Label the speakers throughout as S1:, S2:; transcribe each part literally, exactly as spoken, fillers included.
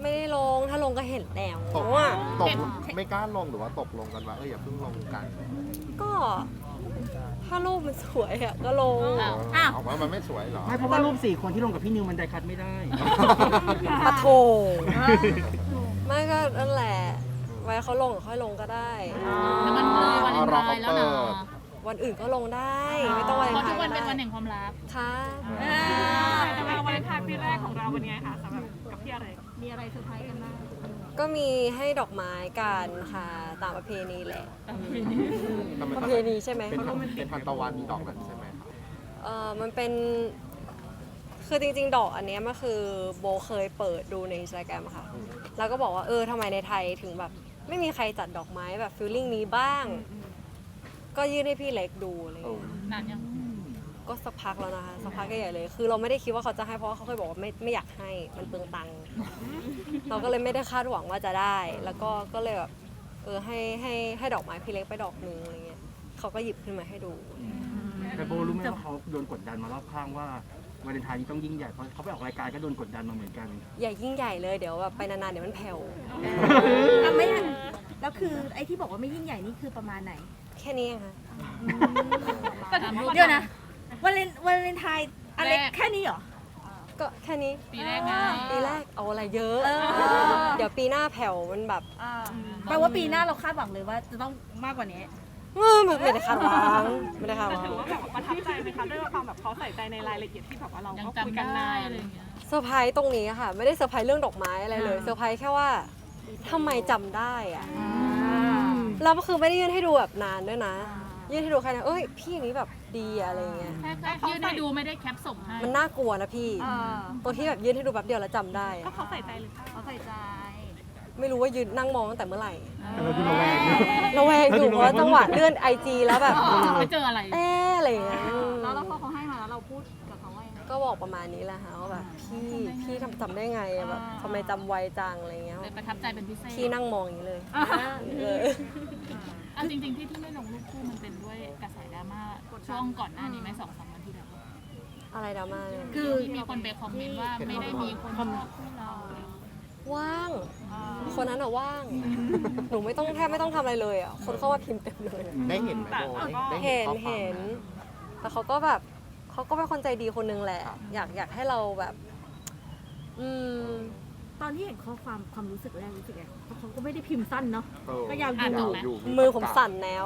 S1: ไม่ได้ลงถ้าลงก็เห็นแล้ว
S2: ตก
S1: อ่ะ
S2: ตกไม่กล้าลงหรือว่าตกลงกันว่าเอออย่าเพิ่งลงกัน
S1: ก็ถ้ารูปมันสวยอ่ะก็ลง
S3: อ้าว
S2: ออกมามันไม่สวยเหรอ
S4: ไม่เพราะว่ารูปสี่คนที่ลงกับพี่นิวมันไดคัดไม่ได้
S1: ปะโถไม่ก็นั่นแหละไว้เขาลงค่อยลงก็ได้
S3: แล้วมันเลยวันเลนไทน์แล้วเนาะ
S1: วันอื่นก็ลงได้ไม่ต้องวัน
S3: เพราะ
S1: ไท
S3: ทุก
S1: น์
S3: วัน
S1: ก็
S3: เป็นวัน
S1: ได้
S3: แห่งความรัก
S1: ค่ะ
S5: แต่ว่าวันเลนไทน์ปีแรกของเราเป็นไงคะสำหรับกับพี่อะไรมีอะไรเซอร์ไพรส์กันบ้าง
S1: ก็มีให้ดอกไม้กันค่ะตามประเพณีแหละ
S2: ทำไม
S1: ประเพณีใช่ไหม
S2: เป็นทันเป็นทันตะวันมีดอกนั้นใช่ไหมครับ
S1: เออมันเป็นคือจริงๆ ดอกอันเนี้ยมันคือโบเคยเปิดดูในอินสตาแกรมค่ะ แล้วก็บอกว่าเออทำไมในไทยถึงแบบไม่มีใครจัดดอกไม้แบบฟิลลิ่งนี้บ้าง ก็ยื่นให้พี่เล็กดูอะไรอย่างเงี้ย
S3: นานยัง
S1: ก็สักพักแล้วนะคะสักพักใหญ่ๆเลย คือเราไม่ได้คิดว่าเขาจะให้เพราะว่าเขาเคยบอกว่าไม่ไม่อยากให้มันเปลืองตังค์เราก็เลยไม่ได้คาดหวังว่าจะได้ แล้วก็ก็เลยแบบเออให้ให้ให้ดอกไม้พี่เล็กไปดอกนึงอะไรเงี้ยเขาก็หยิบขึ้นมาให้ดู
S4: แต่โบรู้ไหมว่าเขาโดนกดดันมารอบข้างว่าวาเลนไทน์นี้ต้องยิ่งใหญ่เพราะเขาไปออกรายการก็โดนกดดันมาเหมือนกัน
S1: อย่ายิ่งใหญ่เลยเดี๋ยวแบบไปนานๆเดี๋ยวมันแผ่ว
S6: อ่ะไม่แล้วคือไอ้ที่บอกว่าไม่ยิ่งใหญ่นี่คือประมาณไหน
S1: แค่นี้เองค่ะ
S6: เดี๋ยวนะวันเลนวันเลนไทน์อะไร
S3: แรก
S6: แค่นี้เหรอ
S1: ก็แค่นี้
S3: ปีแรกไง
S1: ปีแรกเอาอะไรเยอะ
S6: เออ
S1: เดี๋ยวปีหน้าแผ่วมันแบบ
S6: แปลว่าปีหน้าเราคาดหวังเลยว่าจะต้องมากกว่านี้
S1: เออไม่ได้คาดหวังไม่ได้คาดห
S5: แต่
S1: วัง
S5: ถือว่าแบบประทับใจไหมคะด้วยความแบบเขาใส่ใจในรายละเอียดที่แบบว่าเรา
S3: ยัง
S5: ก็คุย
S3: จำ
S5: กัน
S3: ได้
S5: ได้
S3: อะไรอย่างเงี้ย
S1: เซอร์ไพรส์ตรงนี้ค่ะ ไม่ได้เซอร์ไพรส์เรื่องดอกไม้อะไรเลยเซอร์ไพรส์แค่ว่าทำไมจำได้อะแล้วก็คือไม่ได้ยื่นให้ดูแบบนานด้วยนะ ยื่นให้ดูแค่นั้นเอ้ยพี่อย่างนี้แบบดีอะอะไรเงี้ย
S3: แค่แค่ยื่นให้ดูไม่ได้แคปส่งให้
S1: มันน่ากลัวนะพี่ตรงที่แบบยื่นให้ดูแป๊บเดียวแล้วจำได้
S5: ก็
S1: อะ
S5: เขาใส่ใจหรือเปล่า
S6: เขาใส่ใจ
S1: ไม่รู้ว่ายืนนั่งมองตั้งแต่เมื่อไหร่
S4: เออดูระแวงนะ
S1: ระแวงอยู่เพราะว่าจังหวะเลื่อนไอจีแล้วแบบ
S3: ไปเจออะไร
S1: เอ๊ะอะไรเงี้ย
S5: แล้วแล้วพอเขาให้มาแล้วเราพูดกับเขาว่ายังไง
S1: ก็บอกประมาณนี้แหละค่ะว่าแบบพี่พี่ทำจำได้ไงอะแบบทำไมจำไวจังอะไรเงี้ย
S3: เลยประทับใจเป็นพิเศษ
S1: พี่นั่งมองอย่างนี้เลยเออ
S3: เอาจริงๆที่ที่ไม่ลงรูปคู่มันเป็นด้วยกระแสดราม่าช่วงก่อนหน้านี้ไหมสองสามวันที่แล้ว
S1: อะไรดราม่าเนี่ย
S6: คือ
S3: ที่มีคนไปคอมเมนต์ว่าไม่ได้มีคนชอบคู่เรา
S1: ว่าง คนนั้นอะว่าง หนูไม่ต้องแทบไม่ต้องทำอะไรเลยอะคนเข้ามาพิมพ์เต็มเลยอะ
S2: ได้เห็นไหมโบได้
S1: เห็น
S2: ข้อความ
S1: เห็น
S2: ไหม
S1: แต่เขาก็แบบเขาก็เป็นคนใจดีคนนึงแหละ อยากอยากให้เราแบบ อืม
S6: ตอนที่เห็นข้อความความรู้สึกแรกรู้สึกไงเพราะเขาก็ไม่ได้พิมพ์สั้นเนาะ
S2: เออ
S6: ก็ยาวอยู่
S2: ยาวอยู่
S1: มือผมสั่นแล้ว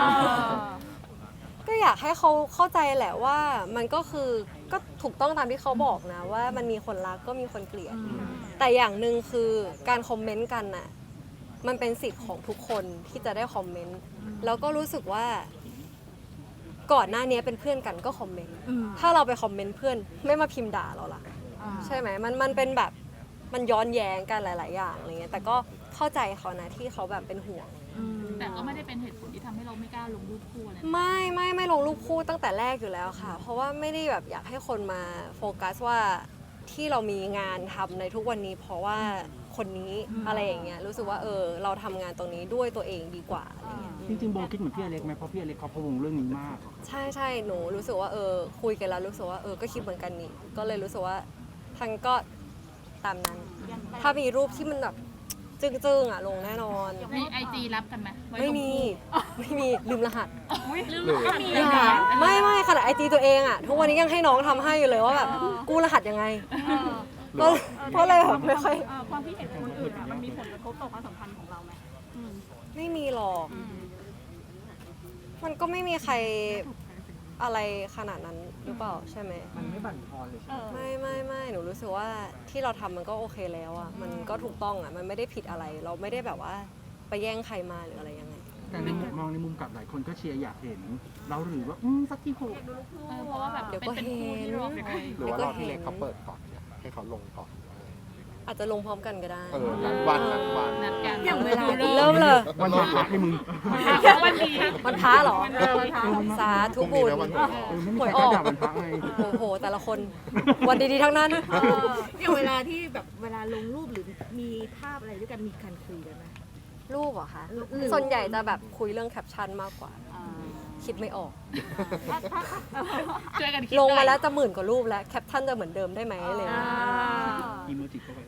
S1: ก็อยากให้เขาเข้าใจแหละว่ามันก็คือก็ถูกต้องตามที่เขาบอกนะ ว่ามันมีคนรักก็มีคนเกลียด แต่อย่างหนึ่งคือการคอมเมนต์กันน่ะมันเป็นสิทธิ์ของทุกคนที่จะได้คอมเมนต์แล้วก็รู้สึกว่า ก่อนหน้านี้เป็นเพื่อนกันก็คอมเมนต์
S6: อืม
S1: ถ้าเราไปคอมเมนต์เพื่อนไม่มาพิมพ์ด่าเราล่ะ ใช่ไหมมันมันเป็นแบบมันย้อนแย้งกันหลาย ๆ อย่างอะไรเงี้ยแต่ก็เข้าใจเขานะที่เขาแบบเป็นห่วง
S3: แต่ก็ไม่ได้เป็นเหตุผลที่ทำให้เราไม่กล้าลงรูปคู่อะไร
S1: ไม่ไม่ไม่ลงรูปคู่ตั้งแต่แรกอยู่แล้วค่ะ เพราะว่าไม่ได้แบบอยากให้คนมาโฟกัสว่าที่เรามีงานทำในทุกวันนี้ เพราะว่าคนนี้อะไรอย่างเงี้ยรู้สึกว่าเออเราทำงานตรงนี้ด้วยตัวเองดีกว่าอะไรเงี้ย
S4: จริงๆโบคิดเหมือนพี่อเล็กไหมเพราะพี่อเล็กเขาพะวงเรื่องนี้มาก
S1: ใช่ใช่หนูรู้สึกว่าเออคุยกันแล้วรู้สึกว่าเออก็คิดเหมือนกันนี่ก็เลยรู้สึกว่าทางก็ตามนั้น ถ้ามีรูปที่มันแบบจึ้งๆอ่ะลงแน่นอน
S3: มีไอจีรับกันไหมว้
S1: ไม่
S3: ลง
S1: มี
S3: คู่
S1: ไม่มีลืมรหัส
S3: ลืม
S2: หรือ
S3: ก็มี
S1: อย่าไม่ไม่ขนาดไอจีตัวเองอ่ะทุกวันนี้ยังให้น้องทำให้อยู่เลยว่าแบบกู้รหัสยังไงก็เพราะเลยแบบไม่ค่อย
S5: เอ่อความคิดเห็นของคนอื่นอะมันมีผลกระทบต่อความสัมพันธ์ของเราไหม
S1: ไม่มีหรอก มันก็ไม่มีใครอะไรขนาดนั้นหรือเปล่าใช่ไหม
S4: มันไม่บั่นทอนเลย
S5: เออ
S1: ไม่ไม่ไม่หนูรู้สึกว่าที่เราทำมันก็โอเคแล้วอ่ะมันก็ถูกต้องอ่ะมันไม่ได้ผิดอะไร เราไม่ได้แบบว่าไปแย่งใครมาหรืออะไรยังไง
S4: แต่ในมุมมองในมุมกลับหลายคนก็เชียร์อยากเห็น เราหรือว่าอืมสักทีโห
S3: เออเพราะว่าแบบ
S1: เดี๋ยว
S3: เป็น
S1: ก็
S3: เป็น
S1: เห็น
S3: คู่ที่รอคอย
S2: หรือว่ารอพี่เล็กเขาเปิดก่อนเนี่ยให้เขาลงก่อน
S1: อาจจะลงพร้อมกันก็ได้
S2: เออนัดวันนัดวัน
S3: นัดกัน
S6: อย่างเวลา
S1: เริ่มเลย
S4: วันพระให้มึง
S3: วันดี
S1: มันพ้าเหรอ
S6: เออวันพระ
S1: สาธุ
S2: พรุ่ง
S1: บุ
S2: นี้
S1: ญ
S2: นะวันหวยออก
S4: เออไม่มีใครกล้าด่าวันพระไง
S1: โอ้โห แต่ละคน วันดีๆทั้งนั้น
S6: อย่างเวลาที่แบบเวลาลงรูปหรือมีภาพอะไรด้วยกันมีการคุยกันไหม
S1: รูปเหรอคะ
S6: หรือ
S1: ส่วนใหญ่จะแบบคุยเรื่องแคปชั่นมากกว่า คิดไม่ออก
S3: ช่วยกันคิด
S1: ลงมา
S3: หน่อย
S1: แล้วจะหมื่นกว่ารูปแล้ว แคปชั่นจะเหมือนเดิมได้ไหมอะไรอย่างเลย
S4: อีโมจิเข้าไป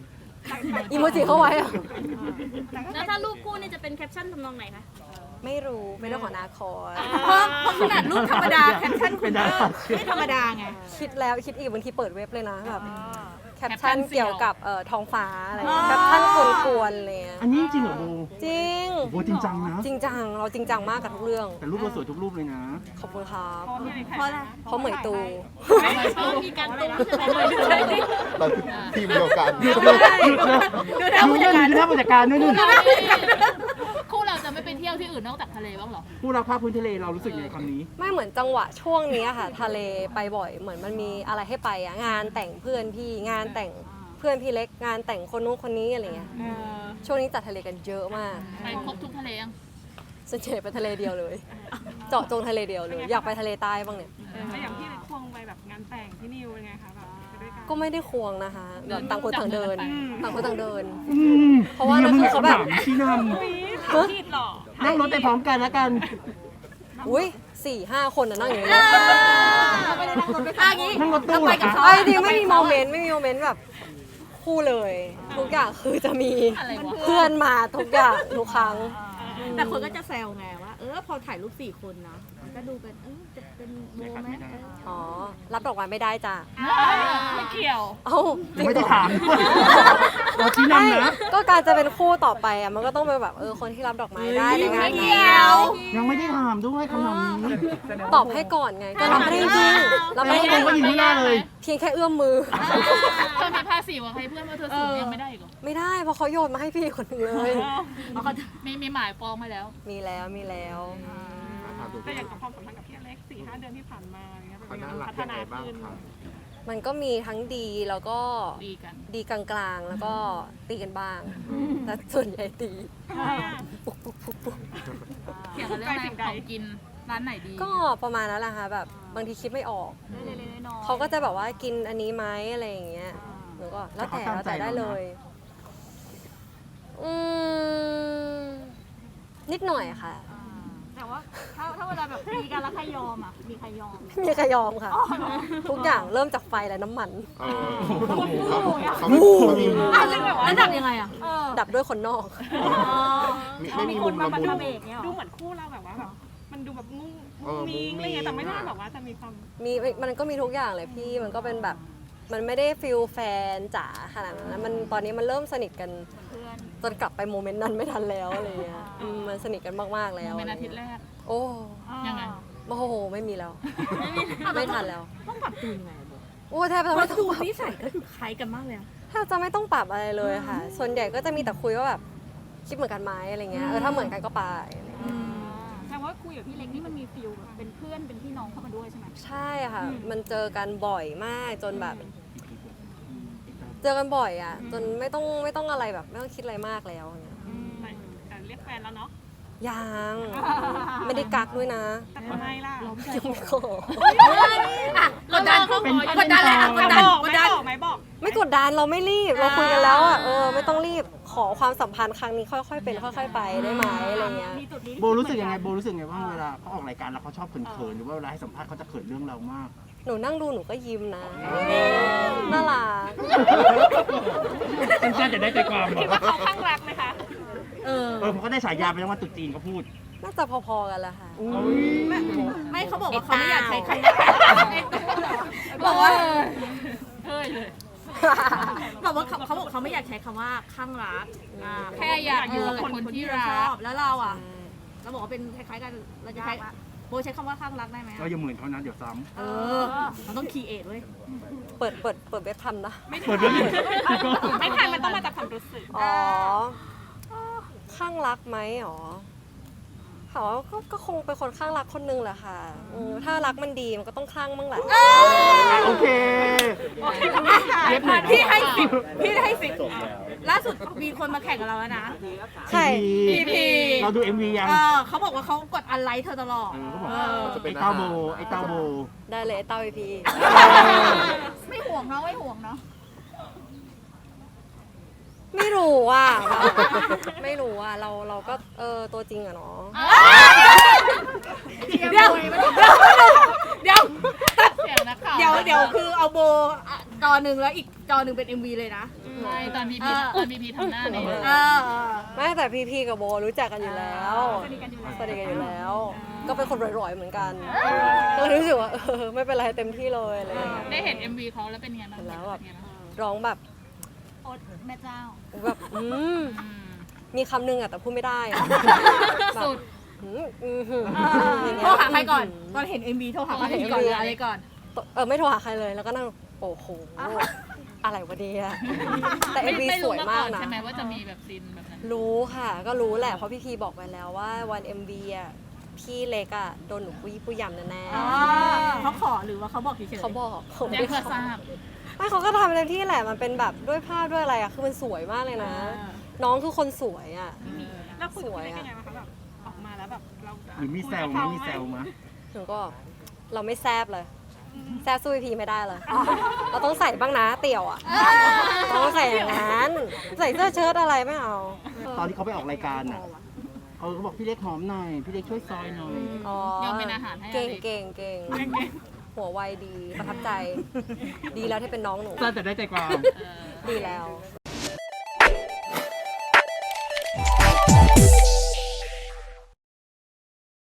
S1: อีโมจิเข้าไว้อะ
S5: แล้วถ้ารูปคู่นี่จะเป็นแคปชั่นทำนองไหนคะ
S1: ไม่รู้เป็นเรื่องของอนาคต
S6: เพราะเพราะขนาดรูปธรรมดาแคปชั่นคุณก็ไม่ธรรมดาไง
S1: คิดแล้วคิดอีกบางทีเปิดเว็บเลยนะแบบแคปชั่นเกี่ยวกับเอ่อท้องฟ้าอะไรอย่างเงี้ยแคปชั่นกวนๆอะไรเลย
S4: อันนี้จริงเหรอโบ
S1: จริง
S4: โบจริงจังนะ
S1: จริงจังเราจริงจังมากกับทุกเรื่อง
S4: แต่รูปเราสวยทุกรูปเลยนะ
S1: ขอบคุณครับ
S6: เพราะอะไร
S1: เพราะเหมยตู
S5: มีการตุ้มใช่ไหม
S2: เราทีมเดียวกัน
S4: หยุดเลยหยุดเลย
S6: ดูหน้าผู้จัดการ
S4: ดูหน้าผู้จัดการด้วยนู่น
S3: คู่เราจะไม่ไปเที่ยวที่อื่นนอกจากทะเลบ้างเหรอ
S4: ผู้รักภาพพื้นทะเลเรารู้สึกยังไงคำนี้
S1: ไม่เหมือนจังหวะช่วงนี้ค่ะ ทะเลไปบ่อยเหมือนมันมีอะไรให้ไปอะงานแต่งเพื่อนพี่งานแต่งเพื่อนพี่เล็กงานแต่งคนนู้นคนนี้อะไรเงี้ยช่วงนี้จัดทะเลกันเยอะมาก
S3: ไปครบทุกทะเลยัง
S1: ส่วนใหญ่ไปทะเลเดียวเลย เจาะจงทะเลเดียวเลย อยากไปทะเลใต้บ้างเนี่ย
S5: แล้วอย่างที่ควงไปแบบงานแต่งที่นิวเป็นไงคะแบบไปด้วยกัน
S1: ก็ไม่ได้ควงนะคะแบบต่างคนต่างเดิน ต่างคนต่างเดิน
S4: อืม
S1: เพราะว่านั่นคือเขาแบบ
S4: ชี้น
S5: ผิดหรอ
S4: ำนั่งรถไปพร้อมกันแล้วกัน
S1: อุ้ยสี่ห้าคนน่ะนั่งอย่างนี้เลย
S6: อ่ะอย่างนี้
S4: นั่งรถตู้
S6: เราไปกับ
S4: เหรอคะ
S6: เขา
S1: ไอ้จริงไม่มีโมเมนต์ไม่มีโมเมนต์แบบคู่เลย ทุกอย่างคือจะมี
S3: อะไรวะ
S1: เพื่อนมาทุกอย่างทุกครั้ง
S6: แต่คนก็จะแซวไงว่า เออพอถ่ายรูปสี่คนนะมันก็ดูเป็นเออจะเป็นโมไหมเออ
S1: อ๋อ รับดอกไม้ไม่ได้จ้ะ
S3: ไม่เกี่ยว
S1: เอ้าจริง
S4: ไม่
S1: เหร
S4: ได้
S1: อ
S4: ถามด้วยเราชี้
S1: ไม่
S4: นำนะ
S1: ก็การจะเป็นคู่ต่อไปอ่ะมันก็ต้องเป็นแบบเออคนที่รับดอกไม้ได้ในงาน
S6: ไม่
S1: นี้
S6: เกี่ยว
S4: ยังไม่ได้ถามด้วยคำถามนี้
S1: ตอบให้ก่อนไง ก็รับไม่ได้จริงรับไม่ได้จ
S4: ผ
S1: ริ
S4: ม
S1: ง
S4: ก็ยิงไม่ได้เลย
S1: เพียงแค่เอื้อมมือ
S3: เธอมีภาษีว่าใครเพื่อนว่าเธอสูงยังไม่ได้อีกเหรอ
S1: ไม่ได้เพราะเขาโยนมาให้พี่คนหนึงเลย
S3: มีมีหมายปองมาแล้ว
S1: มีแล้วมีแล้ว
S2: ถามตัว
S5: แต่
S2: พี่
S5: อย่างกับความสัมพันธ์กับพี่อเล็กสี่ห้าเดือนที่ผ่านมาอย่างเงี้ย
S2: เขาน่ารัก
S5: พัฒ
S2: ยังไง
S5: นา
S2: บ้าง
S5: ขึ้น
S2: ครับ
S1: มันก็มีทั้งดีแล้วก็
S3: ดีกัน
S1: ดีกลางๆ แล้วก็ตีกันบ้าง แต่ส่วนใหญ่ตี ปุ๊กปุ๊กปุ๊กปุ๊ก
S3: เกี่ยวกับเรื่องอะไรของกินร้านไหนดี
S1: ก็ประมาณนั้นแหละค่ะแบบบางทีคิดไม่ออก
S5: เล็กๆน้อยๆ
S1: เขาก็จะแบบว่ากินอันนี้ไหมอะไรอย่างเงี้ยหนูก็แล้วแต่แล้วแต่ได้เลย อืมนิดหน่อยค่ะ
S5: แต่ว่าถ้าถ้าเวลาแบบมีกันแล้วใครยอมอ่ะมีใครยอม
S1: ไม่มีใครยอมค่ะ ทุกอย่างเริ่มจากไฟและน้ำมัน
S2: เออเขาไม่เขามีมุม
S6: อ่ะแล้วดับยังไงอ่ะ
S1: ดับด้วยคนนอก
S2: มีไม่มีมุมละมุน
S5: ดูเหมือนคู่เราแบบว่าแบบมันดูแบบงุ้ง
S2: เออ
S5: มิงอะไรเงี้ยแต่ไม่ได้
S2: มุ้งมิ้ง
S5: แบบว่าจะมีความ
S1: มีมันก็มีทุกอย่างเลยพี่มันก็เป็นแบบมันไม่ได้ฟิลแฟนจ๋าขนาดนั้นนะมันตอนนี้มันเริ่มสนิทกันจนกลับไปโมเมนต์นั้นไม่ทันแล้วอะไรเงี้ยอืมมันสนิทกันมากๆแล้ว
S3: เป็นอาทิตย์แรก
S1: โอ้
S3: ยังไง
S1: โอ้โหไม่มีแล้ว ไม่ทันแล้ว
S6: ต้องปรับจูนไง
S1: โอ้แทบจะ
S6: เพ
S1: ไม่
S6: ราะ
S1: ต้อ
S6: จู
S1: ง
S6: น
S1: ปรับ
S6: นิสัยก็คือคล้ายกันมากเลยอะ
S1: แทบจะไม่ต้องปรับอะไรเลยค่ะ ส่วนใหญ่ก็จะมีแต่คุยว่าแบบคิดเหมือนกันไหมอะไรเงี้ยเออถ้าเหมือนกันก็ไปอะไรเงี้ย
S5: แต่ว่าคุยกับพี่เล็กนี่มันมีฟิลแบบเป็นเพื่อนเป็นพี่น้องเข้ามาด้วยใช่ไหม
S1: ใช่ค่ะ มันเจอกันบ่อยมากจนแบบ เจอกันบ่อยอ่ะ จนไม่ต้องไม่ต้องอะไรแบบไม่ต้องคิดอะไรมากแล้วเนี่ย
S5: แต่แต่เรียกแฟนแล้วเนาะ
S1: ยังไม่ได้กักด้วยนะ
S5: แต่ทำไมล่ะ
S1: ยังไม่ขอ
S6: อ่ะกดดันกดดันเลยอ่ะกดดัน
S5: บอก
S6: ก
S5: ไม่
S6: ดดัน
S5: บอกไหมบอก
S1: ไม่กดดันเราไม่รีบเราคุยกันแล้วอ่ะเออไม่ต้องรีบขอความสัมพันธ์ครั้งนี้ค่อยๆเป็นค่อย ๆ ไปได้ไหมอะไรเงี้ย
S5: มีจุดนี้ที่
S4: โบรู้สึกยังไงโบรู้สึกยังไงว่าเวลาเขาออกรายการแล้วเขาชอบเขินๆหรือว่าเวลาให้สัมภาษณ์เขาจะเขินเรื่องเรามาก
S1: หนูนั่งดูหนูก็ยิ้มนะน่ารัก
S4: สั้นๆจะได้ใจความ
S5: คิดว่าเขาข้างรักไหมคะ
S6: เออ
S4: เออผมก็ได้ฉายาไปแล้วว่าตุ๊จีนเขาพูด
S1: น่าจะพอๆกันแหละค่ะ
S6: ไม่ไม่เขาบอกว่าเขาไม่อยากใช้คำบอกว่า
S3: เฮ้ยเลย
S6: บอกว่าเขาเขาบอกเขาไม่อยากใช้คำว่าข้างรักอ่า
S3: แค่อยากอยู่กับคนที่รั
S6: ชอก บแล้วเราอ่ะเราบอกว่าเป็นคล้ายๆกันเราจะใช้โบใช้คำว่าข้างรักได้ไหม
S4: ก็
S6: อะ
S4: อย่าเหมือนเขานะเดี๋ยวซ้
S6: เออเราต้องคีเอทเว้ย
S1: เปิดเปิดเปิดเว็บทำนะ
S4: ำเปิดเรื่อง
S5: ไม่ทันมันต้องมาจากความรู้สึก
S1: อ๋อข้างรักไหมอ๋อเขาก็ก็คงเป็นคนข้างรักคนนึงแหละค่ะเออถ้ารักมันดีมันก็ต้องข้างบ้างแหละ
S4: โอเคเย็บหน่อยนะ
S6: พี่ให้สิบพี่ให้สิบล่าสุดมีคนมาแข่งกับเราแล้วนะ
S1: ใช่
S6: พีพี
S4: เราดู เอ็ม วี ยัง
S6: เออเขาบอกว่าเขากดอันไลค์เธอตลอด
S4: เออเขาบอก
S6: เออ
S2: จะเป็น
S4: ไอ้เต้าโบไอ้เต้าโบ
S1: ได้เลยเต้าไอพี
S5: ไม่ห่วงเนาะไม่ห่วงเนาะ
S1: ไม่รู้อ่ะไม่รู้อ่ะเราเราก็เออตัวจริงอะเนาะ
S6: เดี๋ยวเดี๋ยวเดี๋ยว
S3: เสียงนักข่าว
S6: เดี๋ยวเดี๋ยวคือเอาโบจอหนึ่งแล้วอีกจอหนึ่งเป็น เอ็ม วี เลยนะ
S3: ใช่ตอนพีพี
S6: เออ
S3: ตอนพีพีทำหน้าเนี่ย
S6: เออ
S1: ไม่แต่พีพีกับโบรู้จักกันอยู่แล้ว
S5: สนิทกันอยู่แล้ว
S1: สนิทกันอยู่แล้ว ก็เป็นคนร่อยๆเหมือนกันก็เลยรู้สึกว่าเออไม่เป็นไรเต็มที่เลยอะไรอย่างเงี้ย
S3: ได้เห็น เอ็ม วีเขาแล้วเป็นไงบ้าง
S1: เห็นแล้วแบบ
S3: เป็นไงบ้าง
S1: ร้องแบบ
S3: โอ๊ตแม่เจ้า
S1: แบบอืม
S3: อืม
S1: มีคำนึงอะแต่พูดไม่ได้อะ
S3: สุด
S1: อืมอืมอืมอย่าง
S6: โท
S1: เงี้
S6: ร
S1: ย
S6: หาใครก่อน ตอนเห็น เอ็ม วี โทรหาใครก่อนหรืออะไรก่อน
S1: เออไม่โทรหาใครเลยแล้วก็นั่งโอ้โหอะไรวะเนี่ยแต่เอ็มวี
S3: ไม่
S1: ส
S3: รู้
S1: วย
S3: มา
S1: มา
S3: ก่
S1: ก
S3: อน
S1: นะ
S3: ใช่ไหมว่าจะมีแบบซีนแบบนั้น
S1: รู้ค่ะ ก็รู้แหละเพราะพี่พีบอกไปแล้วว่าวัน เอ็ม วี อ่ะพี่เล็กอ่ะโดนหนูปุ้ยปุ้ยยำแน่
S6: เขาขอหรือว่าเขาบอกเฉย
S1: ๆเขาบอกเขาไม่
S3: แจ้ง
S1: ได้
S3: เพื่อ
S1: ขอ
S3: ทราบ
S1: ไม่เขาก็ทำเต็มที่แหละมันเป็นแบบด้วยภาพด้วยอะไรอ่ะคือมันสวยมากเลยนะ น้องคือคนสวยอ่ะ
S5: แล้วคุย
S1: สวย
S5: กัน
S1: อะ
S5: ยังไงบ้างคะแบบออกมาแล้วแบบเรา
S4: หรือมีแซวไหมมีแซวไหม
S1: หนูก็เราไม่แซบเลยแซบสู้พี่พีไม่ได้เลยเราต้องใส่บ้างนะเตี่ยวอ่ะเราต้องใส่อย่างนั้นใส่เสื้อเชิ้ตอะไรไม่เอา
S4: ตอนที่เขาไปออกรายการอ่ะเขาก็บอกพี่เล็กหอมหน่อย พี่เล็กช่วยซอยหน่อย
S1: อ๋อย
S3: อมเป็นอาหารให้
S1: เก่ง
S3: อเล็ก
S1: เก่งเก่งหัวไวดีประทับใจ ดีแล้วที่เป็นน้องหนู
S4: สั้นแต่ได้ใจความ
S3: เออ
S1: ดีแล้ว